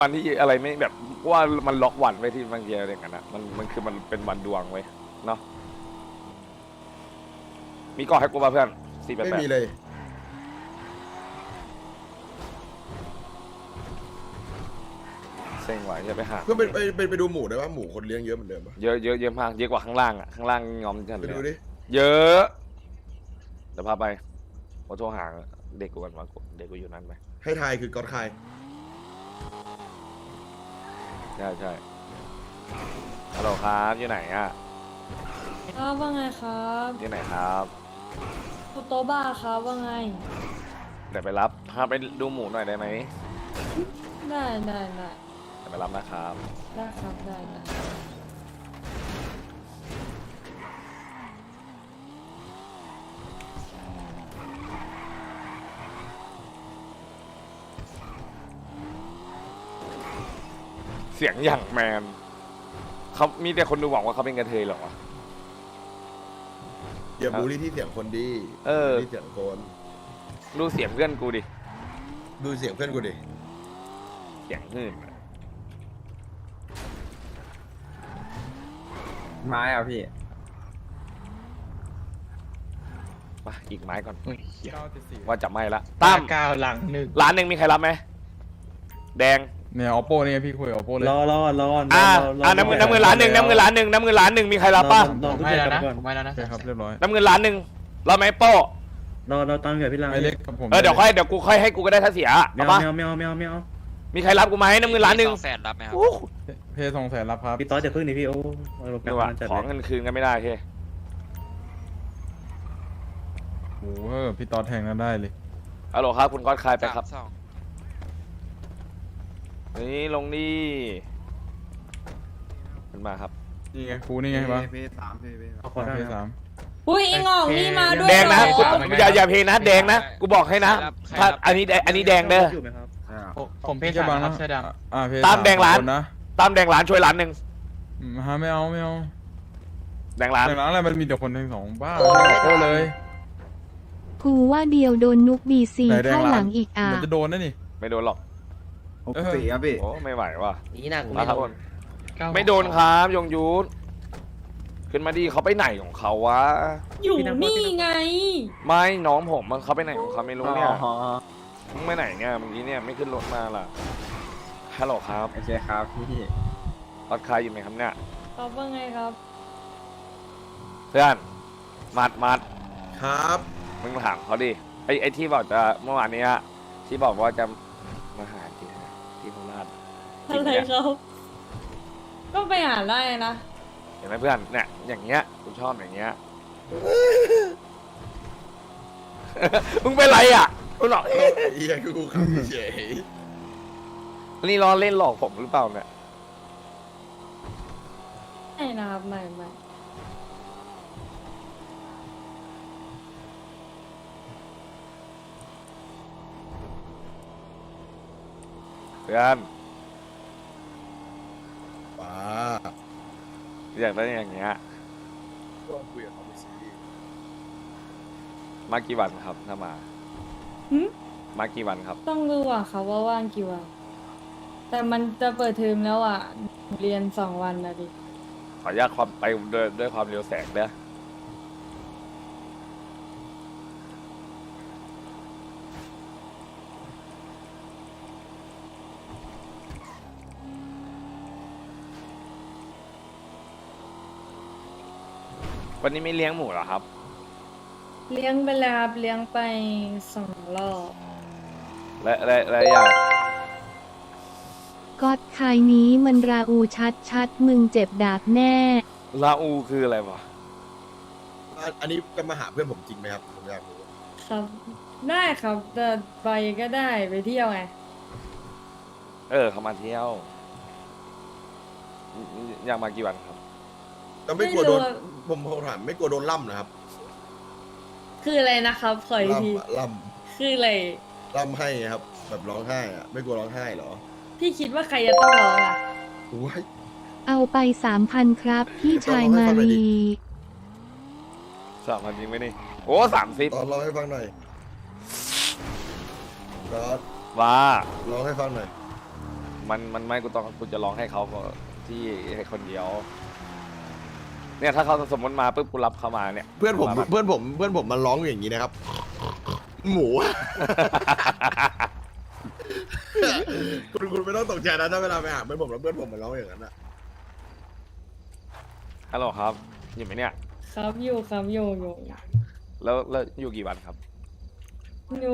วันที่อะไรไม่แบบว่ามันล็อกวันไว้ที่บางทีอะไรอย่างนั้นนะมันคือมันเป็นวันดวงไว้เนาะมีก่อให้กูป่ะเพื่อน488 ไม่มีเลยเซ็งว่ะจะไปหาก็ไปดูหมูได้ว่าหมูคนเลี้ยงเยอะเหมือนเดิมปะเยอะเยอะเยอะมากเยอะกว่าข้างล่างอ่ะข้างล่างงอมจัดไปเลยดูดิเยอะเดี๋ยวพาไปโทรหาเด็กกูกันมาเด็กกูอยู่นั่นไหมให้ทายคือก๊อตคายใช่ใช่ฮัลโหลครับอยู่ไหนอ่ะครับว่าไงครับอยู่ไหนครับโตะบ้าครับว่าไงเดี๋ยวไปรับพาไปดูหมูหน่อยได้ไหมได้เดี๋ยวไปรับนะครับได้ครับได้เสียงอย่างแมนเขามีแต่คนดูหวังว่าเขาเป็นกระเทยเหรอวะอย่าบูลลี่ที่เสียงคนดีเออที่เสียงคนดูเสียงเพื่อนกูดิดูเสียงเพื่อนกูดิเสียงหื่นไม้อ่ะพี่ไปอีกไม้ก่อน 974 ว่าจะไม่ละตั้ม 9หลังหนึ่งร้านหนึ่งมีใครรับไหมแดงเนี่ย oppo นี่ไงพี่คุยกับ oppo เลยน้ำเงินร้านหนึ่งน้ำเงินร้านหนึ่งน้ำเงินร้านหนึ่งมีใครรับป่ะไม่แล้วนะไม่แล้วนะโอเคครับเรียบร้อยน้ำเงินร้านหนึ่งรับไหมโป้เราตั้งเกิดพี่ลังไม่เล็กกับผมเดี๋ยวกูค่อยให้กูก็ได้ถ้าเสียไม่เอาเอาปะไม่เอาไม่เอาไม่เอามีใครรับกูไหมน้ำเงินร้านหนึ่ง 200,000รับไหมครับโอ้เพย์200,000รับครับพี่ต้อยจะพึ่งดิพี่โอ้เรากลัดูบว่ามาจัดขอเงินคืนกันไม่ได้โอเคโอ้โหพี่ตอดแทงนั้นได้เลยฮัลโหลครับคุณก้อนคายไปครับ 32 นี่ลงดีขึ้นมาครับนี่ไงครูนี่ไงวะเอาขอได้เพคย์รับ 3 อุ้ยไอ้งอกนี่มาด้วยแดงนะเหรออย่าเพนะแดงนะกูบอกให้นะถ้าอันนี้แดงเด้ออยู่ไหมครับผมเพศจะสามบังครันะบเสื้อดเพย์ตามแดงร้านคนนะตามแดงร้านช่วยร้านหนึ่งฮะไม่เอาแดงร้านแต่ร้านอะไรมันมีแต่คนทั้งสองบ้า oppo เลยกูว่าเดียวโดนนุกบีซีไหนแดงเข้าร้านหลังอีกอ่ะมันจะโดนนะนี่ไม่โดนหรอก 4ครับพี่โอ้ไม่ไหวว่ะนี่นะกูมาครับำไม่โดนครับยงยุทธขึ้นมาดีเขาไปไหนของเขาวะอยู่นี่ไงไม่น้องผมมันเขาไปไหนของเขาไม่รู้เนี่ยมึงไปไหนเนี่ยเมื่อกี้เนี่ยไม่ขึ้นรถมาล่ะฮัลโหลครับโอเคครับพี่รถใครอยู่ไหมครับเนี่ยครับว่าไงครับเพื่อนมัดครับมึงถามเขาดิไอ้ที่บอกจะเมื่อวานเนี้ยที่บอกว่าจะมาหาที่โคราชอะไรครับก็ไปหาได้นะเห็นไหมเพื่อนเนี่ยอย่างเงี้ยกูชอบอย่างเงี้ย มึงเป็นไรอ่ะกูหลอกเฮียคือกูขำเฉยนี่ล้อเล่นหลอกผมหรือเปล่าเนี่ยไม่นะครับไม่เพื่อนป้าอยากได้อย่างเงี้ยก็คุยกับเขาไปสิมากี่วันครับถ้ามาหึมากี่วันครับต้องรู้อ่ะค่ะว่าว่างกี่วัน แต่มันจะเปิดเทอมแล้วอ่ะ เรียน2 วันนะดิขออนุญาตความไปด้วยความเร็วแสงเด้อวันนี้ไม่เลี้ยงหมูเหรอครับเลี้ยงไปแล้วครับเลี้ยงไป2 รอบและอยากก็อดคายนี้มันราอูชัดมึงเจ็บดาบแน่ลาอูคืออะไรวะอันนี้จะมาหาเพื่อนผมจริงไหมครับผมอยากรู้ครับ ได้ครับแต่ไปก็ได้ไปเที่ยวไงเขามาเที่ยว อยากมากี่วันครับก็ไม่กลัวโดนไม่รู้อะผมถามไม่กลัวโดนล่ำนะครับคืออะไรนะครับขออีกทีล่ำคืออะไรล่ำให้ครับ แบบร้องไห้อะไม่กลัวร้องไห้เหรอพี่คิดว่าใครจะต้องร้องอ่ะโอ้ยเอาไป 3,000 ครับ พี่ชายมาลี 3,000จริงไหมนี่ โอ้30 ตอนร้องให้ฟังหน่อยตอนว่าร้องให้ฟังหน่อยมันไม่กูจะร้องให้เขาก็ที่ให้คนเดียว เนี่ยถ้าเขาสมมติมาปุ๊บกูรับเขามาเนี่ยเพื่อนผมมันร้องอย่างนี้นะครับ หมู คุณไม่ต้องตกใจนะถ้าเวลาไปหาเพื่อนผมแล้วเพื่อนผมมันร้องอย่างนั้นอะฮัลโหลครับอยู่ไหมเนี่ยครับอยู่ครับอยู่แล้วอยู่กี่วันครับอยู่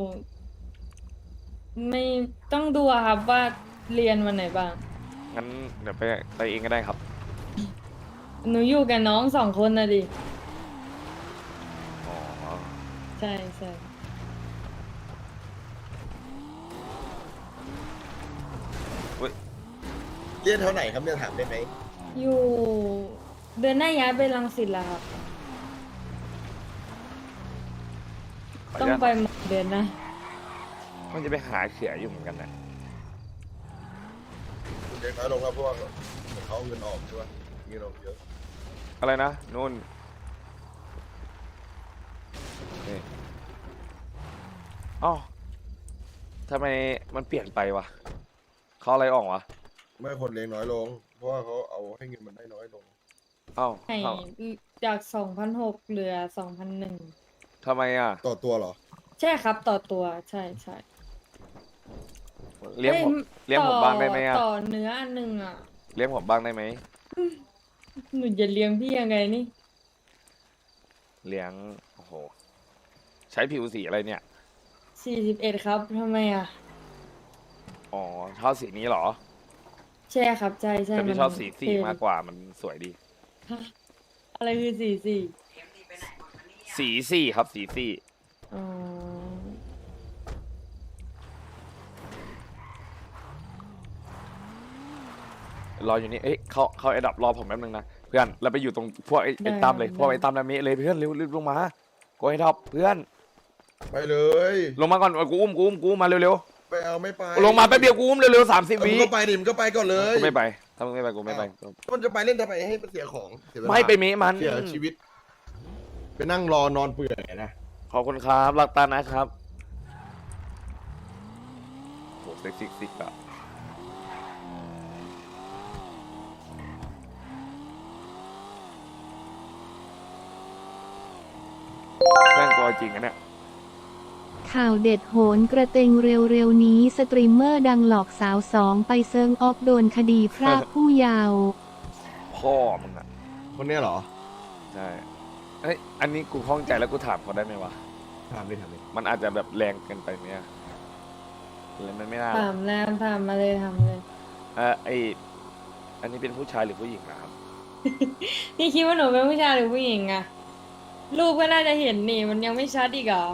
ไม่ต้องดูอะครับว่าเรียนวันไหนบ้างงั้นเดี๋ยวไปเองก็ได้ครับหนูอยู่กับน้อง2 คนนะดิอ๋อใช่เรียนเท่าไหร่ครับเนี่ยถามได้ไหมอยู่เดือนหน้าย้ายไปรังสิตแล้วครับขออต้องนุญาตไปหมดเดือนนะมันจะไปหาเขียอยู่เหมือนกันนะคุณเด็กน้อยลงแล้วเพราะว่าเขาเอาเงินออกใช่ปะเงินออกเยอะอะไรนะนู่นนี่อ๋อทำไมมันเปลี่ยนไปวะเขาอะไรออกวะไม่คนเลี้ยงน้อยลง เพราะว่าเขาเอาให้เงินมันได้น้อยลงเอ้าให้เอ้าจาก2,600เหลือ2,100 ทำไมอ่ะต่อตัวเหรอใช่ครับต่อตัวใช่เลี้ยงผมอ้เลี้ยงผมบ้างได้ไหมอ่ะต่อเนื้ออันหนึ่งอ่ะเลี้ยงผมบ้างได้ไหมหนูจะเลี้ยงพี่ยังไงนี่เลี้ยงโอ้โหใช้ผิวสีอะไรเนี่ย 41ครับทำไมอ่ะอ๋อชอบสีนี้เหรอใช่ครับใช่แต่พี่มันชอบสีเท่มากกว่ามันสวยดีฮะอะไรคือ44 สีสี่ครับสีสี่อ๋อรออยู่นี่เอ้ยเขาไอ้ดับรอผมแป๊บนึงนะเพื่อนเราไปอยู่ตรงพวกไอ้ตามเลยพวกไอ้ตามนามิเลยเพื่อนเร็วลงมากูไอ้ดับเพื่อนไปเลยลงมาก่อนกูอุ้มมาเร็วไปเอาไม่ไปๆลงมาแป๊บเดียวกูอุ้มเร็วๆ30 มึวิงก็ไปดิมึงก็ไปก่อนเลยกูไม่ไปถ้ามึงไม่ไปกูไม่ไปมันจะไปเล่นทำไมให้มันเสียของเสียเวลาไม่ไปเมะมันเสียชีวิต ไปนั่งรอนอนเปื่อยนะขอบคุณครับรักตานะครับโหเซ็กซิกอะแม่งกลัวจริงอะเนี่ยข่าวเด็ดโหนกระเตงเร็วๆนี้สตรีมเมอร์ดังหลอกสาว2ไปเซิงออฟโดนคดีพรากผู้เยาว์พ่อมึงอะคนเนี้ยเหรอใช่เอ้ยอันนี้กูข้องใจแล้วกูถามเขาได้ไหมวะถามดิถามดิมันอาจจะแบบแรงเกินไปไหมอะอะไรมันไม่น่าหรอกถามแล้วถามมาเลยอันนี้เป็นผู้ชายหรือผู้หญิงนะครับพี่คิดว่าหนูเป็นผู้ชายหรือผู้หญิงอะรูปก็น่าจะเห็นนี่มันยังไม่ชัดอีกเหรอ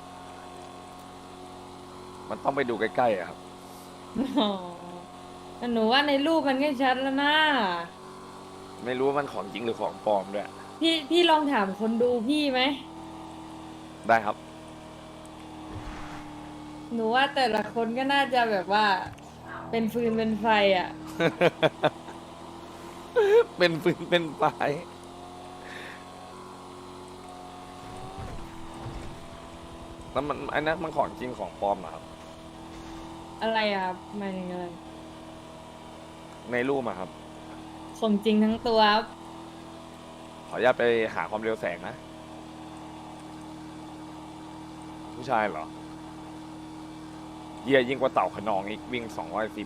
มันต้องไปดูใกล้ๆอะครับอ๋อแต่หนูว่าในรูปมันก็ชัดแล้วนะไม่รู้ว่ามันของจริงหรือของปลอมด้วยพี่ลองถามคนดูพี่ไหมได้ครับหนูว่าแต่ละคนก็น่าจะแบบว่า เป็นฟืนเป็นไฟอ่ะเป็นฟืนเป็นไฟแล้วมันอันนั้นมันของจริงของปลอมเหรอครับอะไรอะครับหมายถึงอะไรในรูปอะครับของจริงทั้งตัวครับขออนุญาตไปหาความเร็วแสงนะ ผู้ชายเหรอเยี่ยยิ่งกว่าเต่าขนองอีกวิ่ง210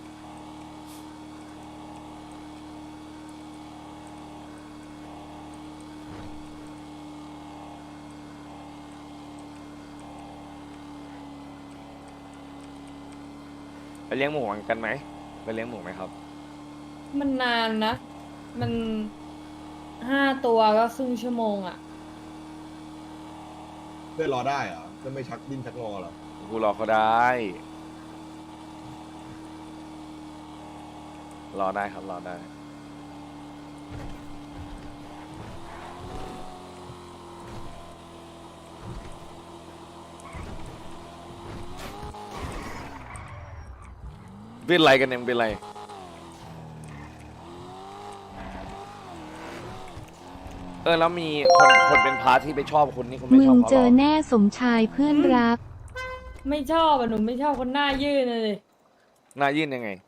ไปเลี้ยงหมูกันไหมไปเลี้ยงหมูไหมครับมันนานนะ มัน5 ตัวก็ครึ่งชั่วโมงอ่ะเพื่อนรอได้เหรอจะไม่ชักดิ้นชักงอเหรอกูรอเขาได้ รอได้ครับรอได้ เป็นไรกันเนี่ยมึงเป็นไร แล้วมีคนเป็นพาร์ทที่ไปชอบคนนี่คุณไม่มึชอบงเขาเจหรออแน่สมชายเพื่อนรักไม่ชอบอ่ะหนูไม่ชอบคนหน้ายื่นเลยหน้ายื่นยังไง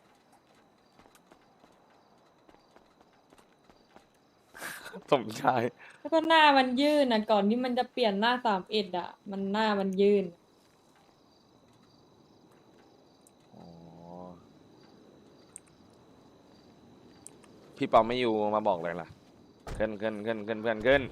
สมชายแล้วก็หน้ามันยื่นอ่ะก่อนที่มันจะเปลี่ยนหน้า31อ่ะ มันหน้ามันยื่นอ๋อ พี่ปอมไม่อยู่มาบอกเลยล่ะ ขึ้นเพื่อนขึ้น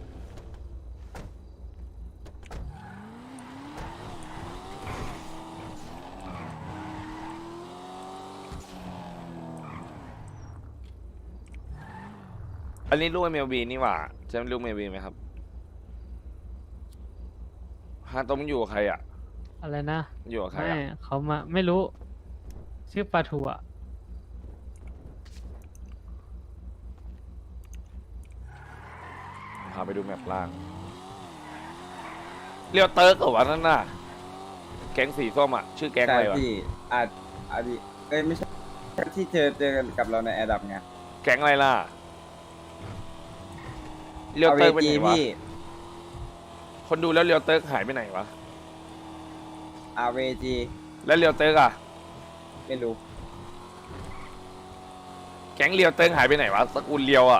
อันนี้ลูกเมลบีนี่หว่าใช่ลูกเมลบีไหมครับฮาโตมอยู่กับใครอ่ะอะไรนะอยู่กับใครไม่อ่ะเขามาไม่รู้ ชื่อปลาทูอ่ะพาไปดูแมปล่าง เรียวเติร์กเหรอวะนั่นน่ะ แก๊งสีส้มอ่ะ ชื่อแก๊งอะไรวะพี่อาจเอ้ยไม่ใช่ที่เจอกันกับเราในแอร์ดับไงแก๊งอะไรล่ะ เรียวเติร์กไปไหนวะพี่คนดูแล้วเรียวเติร์กหายไปไหนวะ RVG แล้วเรียวเติร์กอ่ะไม่รู้แก๊งเรียวเติร์กหายไปไหนวะสกุลเรียวอ่ะ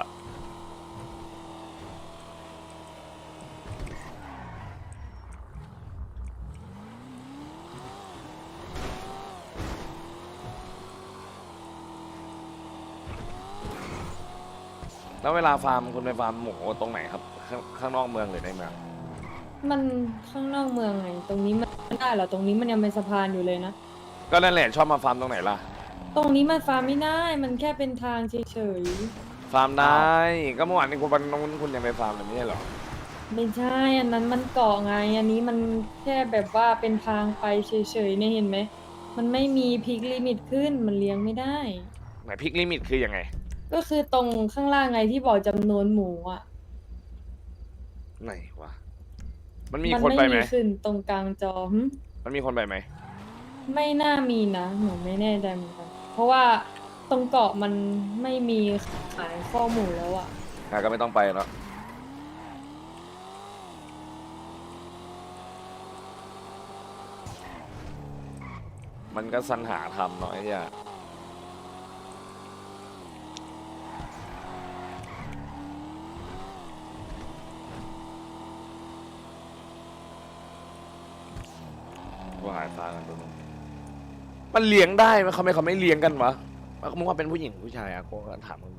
แล้วเวลาฟาร์มคุณไปฟาร์มหมูตรงไหนครับ ข้างนอกเมืองหรือในเมืองมันข้างนอกเมืองไง ตรงนี้มันไม่ได้เหรอ ตรงนี้มันยังเป็นสะพานอยู่เลยนะก็นั่นแหละชอบมาฟาร์มตรงไหนล่ะตรงนี้มันฟาร์มไม่ได้ มันแค่เป็นทางเฉยฟาร์มได้ ก็เมื่อวานนี้คุณวันนู้นคุณยังไปฟาร์มเลยไม่ใช่เหรอๆ ไม่ใช่ อันนั้นมันเกาะไง อันนี้มันแค่แบบว่าเป็นทางไปเฉยๆเนี่ยเห็นไหม มันไม่มีพิกลิมิตขึ้น มันเลี้ยงไม่ได้ไหนพิกลิมิตคือยังไงก็คือตรงข้างล่างไงที่บอกจำนวนหมูอ่ะไหนวะ มันมีคนไปไหมไม่มีขึ้นตรงกลางจอหึมันมีคนไปไหมไม่น่ามีนะหนูไม่แน่ใจเหมือนกัน เพราะว่าตรงเกาะมันไม่มีขายข้อมูลแล้วอ่ะก็ไม่ต้องไปแล้วมันก็สรรหาทำเนาะไอ้เหี้ยว่าหายฟ้ากันตรงนู้นมันเลี้ยงได้ไหมเขาไม่เลี้ยงกันวะมึงว่าเป็นผู้หญิงผู้ชายอะโกก็ถามมึงตรง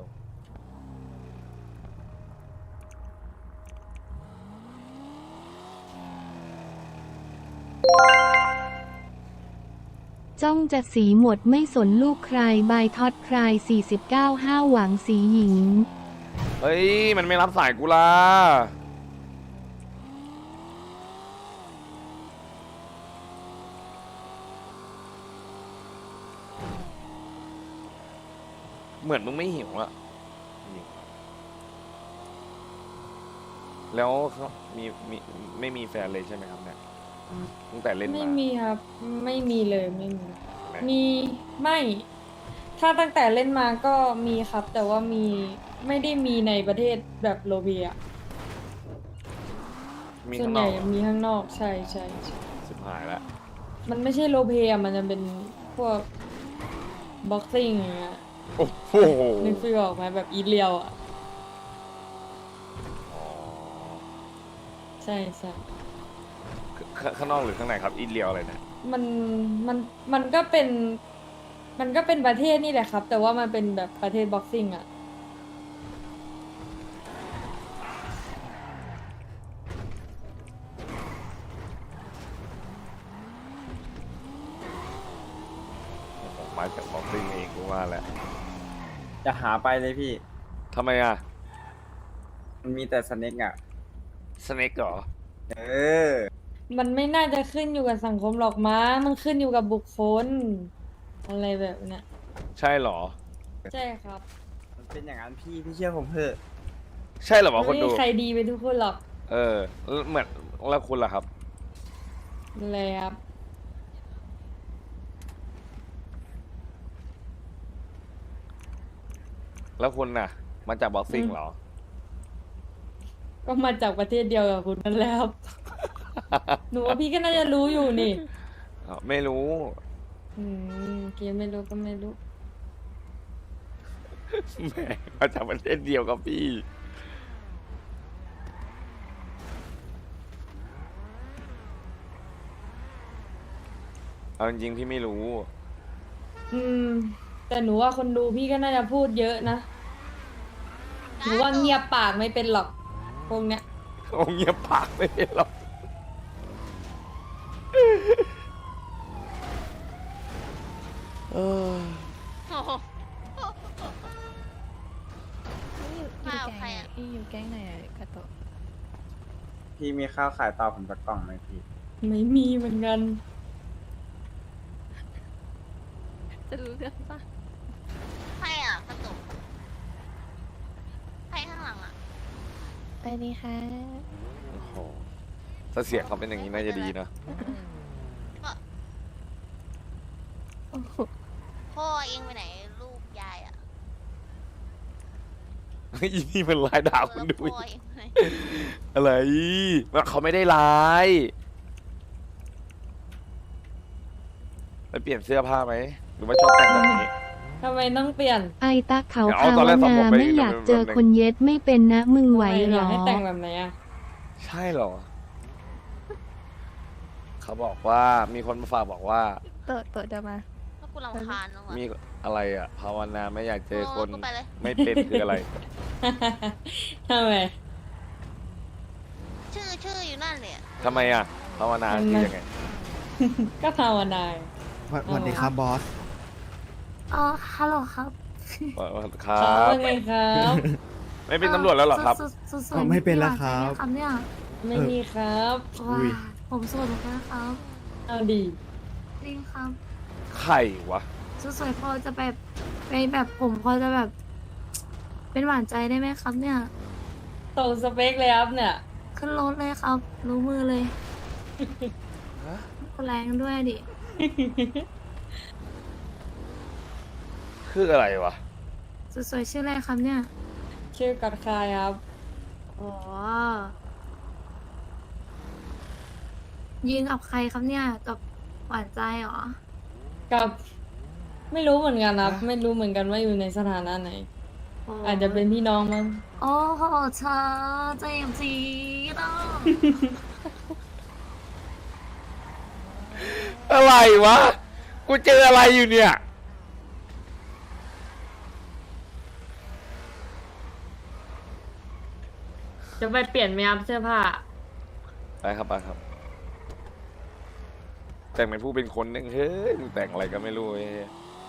จ้องจะสีหมดไม่สนลูกใครบายท็อตใคร49 5หวังสีหญิงเฮ้ย มันไม่รับสายกูล่ะเหมือนมึงไม่หิวอะแล้วเขาไม่มีแฟนเลยใช่ไหมครับเนี่ยตั้งแต่เล่นไม่มามีครับ ไม่มีเลยไม่มีไหมมีไม่ ถ้าตั้งแต่เล่นมาก็มีครับ แต่ว่ามีไม่ได้มีในประเทศแบบโลเบียมีส่วข้าน งใหนอญ่กเหรอมีข้างนอกใช่ใช่ใช่สิบหายแล้วมันไม่ใช่โลเบียมันจะเป็นพวกบ็อกซิ่งอย่างเงี้ยโอ้โหนึกฟีลออกไหมแบบอีเลียวอ่ะอ๋อใช่ใช่ข้างนอกหรือข้างในครับ อินเลียวอะไรเนี่ยมันมันก็เป็นประเทศนี่แหละครับ แต่ว่ามันเป็นแบบประเทศบ็อกซิ่งอ่ะผมมาจากบ็อกซิ่งเองกูว่าแหละจะหาไปเลยพี่ทำไมอ่ะมันมีแต่สเน็กอ่ะสเน็กเหรอเออมันไม่น่าจะขึ้นอยู่กับสังคมหรอกมั้งมันขึ้นอยู่กับบุคคล อะไรแบบเนี้ยใช่เหรอใช่ครับมันเป็นอย่างนั้นพี่เชื่อผมเถอะใช่เหรอวะไม่คนมีดูใครดีไปทุกคนหรอกเออแล้วเหมือนแล้วคุณล่ะครับอะไรครับแล้วคุณน่ะ มาจากบ็อกซิ่งเหรอก็มาจากประเทศเดียวกับคุณนั่นแหละครับ หนูว่าพี่ก็น่าจะรู้อยู่นี่ไม่รู้เกมไม่รู้ก็ไม่รู้แหมมาจากประเทศเดียวกับพี่เอาจริงๆพี่ไม่รู้แต่หนูว่าคนดูพี่ก็น่าจะพูดเยอะนะหนูว่าเงียบปากไม่เป็นหรอกพวกเนี้ยโอ้เงียบปากไม่ได้หรอกเออมากับใครอ่ะอยู่แก๊งไหนอ่ะกาโตะพี่มีข้าวขายต่อผมสักกล่องไหมพี่ไม่มีเหมือนกันจะรู้เรื่องปะใครอ่ะกาโตะใครข้างหลังอ่ะไปดีค่ะโอ้โหถ้าเสียงเขาเป็นอย่างนี้น่าจะดีนะพ่อเองไปไหนลูกยายอ่ะอีนี่มันลายด่าคุณดูพ่อเองไปไหนอะไรว่าเขาไม่ได้ลายไปเปลี่ยนเสื้อผ้าไหมหรือว่าชอบแต่งแบบนี้ทำไมต้องเปลี่ยนไอตาเขาเดี๋ยวเอาภาตอนวแรกสองนาผมไปไม่อยากเจอแบบนึงคนเย็ดไม่เป็นนะมึงไหวทำเหรออให้แต่งแบบไหนอ่ะใช่เหรอ เขาบอกว่ามีคนมาฝากบอกว่าโตะจะมาแล้วกูรำคาญน้องอ่ะมีอะไรอ่ะภาวนาไม่อยากเจอคนกูไปเลยไม่เป็นคืออะไรทำไมชื่ออยู่นั่นเลยอะทำไมอ่ะภาวนาคือยังไงก็ภาวนาสวัสดีครับบอสอ๋อฮัลโหลครับครัเขาบเป็นไงครับไม่เป็นตำรวจแล้วเหรอครับไม่เป็นแล้วครับเนี่ยไม่มีครับอุ้ยผมสวยเหมือนกันครับเอาดีจริงครับไข่วะสวยพอจะแบบไปแบบผมพอจะแบบ เป็นหวานใจได้ไหมครับเนี่ยตรงสเปคเลยครับเนี่ยขึ้นรถเลยครับ รู้มือเลยแรงด้วยดิคืออะไรวะสวยๆชื่ออะไรครับเนี่ยชื่อกัดคายครับอ๋อยิงกับใครครับเนี่ย กับหวานใจเหรอกับไม่รู้เหมือนกันครับ ไม่รู้เหมือนกันว่าอยู่ในสถานะไหน อาจจะเป็นพี่น้องมั้งโอ้โหเธอเจ็บจีดอ่ะอะไรวะ กูเจออะไรอยู่เนี่ยจะไปเปลี่ยนไหมครับเสื้อผ้าไปครับไปครับ แต่งเป็นผู้เป็นคนนึงเฮ้ยมึงแต่งอะไรก็ไม่รู้เว้ย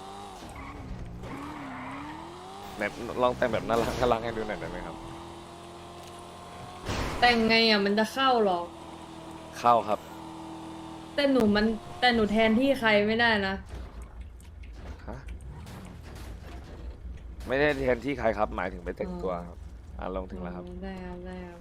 แบบลองแต่งแบบน่ารักให้ดูหน่อยได้ไหมครับแต่งไงอ่ะมันจะเข้าหรอเข้าครับแต่หนูแทนที่ใครไม่ได้นะฮะไม่ได้แทนที่ใครครับ หมายถึงไปแต่งตัวครับลงถึงแล้วครับได้ครับได้ครับ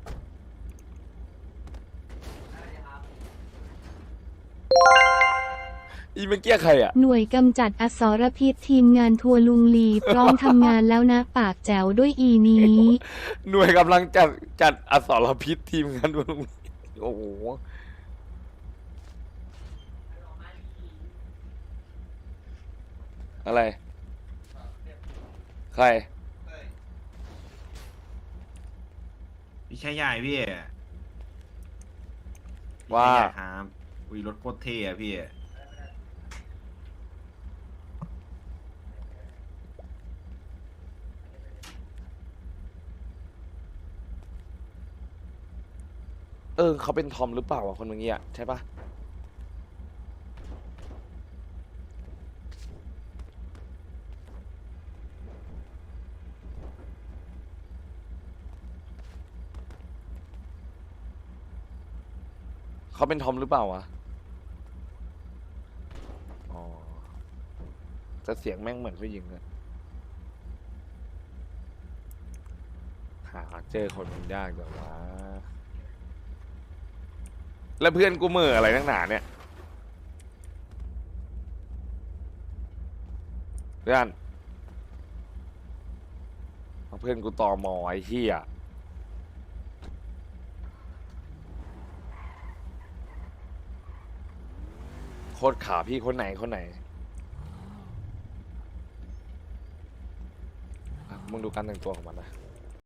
อีเมื่อกี้ใครอ่ะหน่วยกำจัดอสรพิษทีมงานทัวร์ลุงลี พร้อมทำงานแล้วนะปากแจ๋วด้วยอีนี้หน่วยกำลังจัดอสรพิษทีมงานดูลุงโอ้โห อะไร ใครพี่ชายใหญ่พี่ว่าพี่ชายใหญ่ครับอุ้ยรถโคตรเท่อะพี่เขาเป็นทอมหรือเปล่าวะคนเมื่อกี้อ่ะใช่ปะเขาเป็นทอมหรือเปล่าวะอ๋อแต่เสียงแม่งเหมือนผู้หญิงเลยหาเจอคนมันยากจังวะแล้วเพื่อนกูเหม่ออะไรนักหนาเนี่ยเพื่อนเอาเพื่อนกูตอมอไอ้เหี้ยโคตรขาพี่คนไหนคนไหนอ่ะมึงดูการแต่งตัวของมันนะ